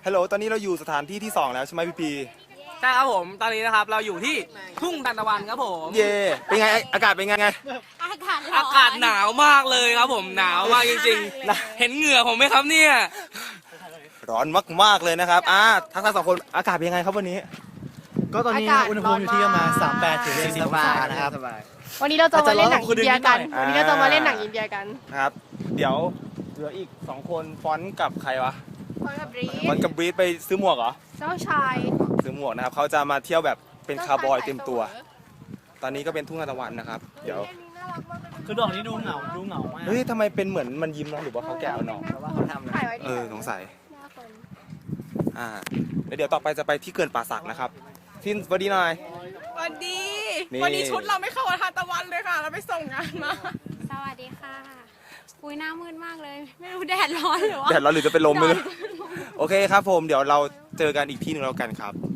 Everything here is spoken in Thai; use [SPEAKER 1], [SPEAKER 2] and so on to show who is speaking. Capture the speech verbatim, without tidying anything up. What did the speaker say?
[SPEAKER 1] ฮัลโหลตอนนี้เราอยู่สถานที่ที่สองแล้วใช่ไหมพี่พี
[SPEAKER 2] ใช่ครับผมตอนนี้นะครับเราอยู่ที่ทุ่งทานตะวันครับผม
[SPEAKER 1] เย่เป็นไงอากาศเป็นไงไง
[SPEAKER 3] อากาศร้อน
[SPEAKER 2] อากาศหนาวมากเลยครับผมหนาวมากจริงๆเห็นเหงื่อผมไหมครับเนี่ย
[SPEAKER 1] ร้อนมากๆเลยนะครับอ่าทั้งทั้งสองคนอากาศเป็นยังไงครับวันนี้
[SPEAKER 4] ก็ตอนนี้อุณหภูมิอยู่ที่ประมาณสามสิบแปดถึงสี่สิบองศานะครับ
[SPEAKER 3] วันนี้เราจะมาเล่นหนังอินเดียกัน
[SPEAKER 1] อาจจะร้อนกว่าคืนนี้นิดหน่อย
[SPEAKER 3] วันนี้เราจะมาเล่นหนังอินเดียกัน
[SPEAKER 1] ครับ เดี๋ยวเหลืออีกสองคนฟอนต์กับใครวะ
[SPEAKER 3] พร้อมกับบรี
[SPEAKER 1] ฟอนต์กับบรีดไปซื้อหมวกเหรอ
[SPEAKER 3] เจ้าชาย
[SPEAKER 1] ซื้อหมวกนะครับเขาจะมาเที่ยวแบบเป็นคาร์บอยเต็มตัว ตอนนี้ก็เป็นทุ่งทานตะวันนะครับเดี๋ยว
[SPEAKER 4] คือดอกนี้ดูเหงาดูเหงามาก
[SPEAKER 1] เฮ้ยทำไมเป็นเหมือนมันยิ้มเนาะหรือว่าเขาแกะเอาเนาะ
[SPEAKER 4] เพราะว่าเขาทำนะ
[SPEAKER 3] ถ่ายไว้ดี
[SPEAKER 1] เออสงสัยอ่าแล้วเดี๋ยวต่อไปจะไปที่เขื่อนป่าสักนะครับทินสวัสดีหน่อย
[SPEAKER 5] สวัสดี
[SPEAKER 1] นี่
[SPEAKER 5] วันนี้ชุดเราไม่เข้ากับทานตะวันเลยค่ะ เราไปส่งงานมา
[SPEAKER 3] สวัสดีค่ะอุ้ยหน้ามืดมากเลย ไม่รู้แดดร้อนหรือว่า
[SPEAKER 1] แดดร้อนหรือจะเป็นลมไม่รู้โอเคครับผมเดี๋ยวเราเจอกันอีกที่หนึ่งแล้วกันครับ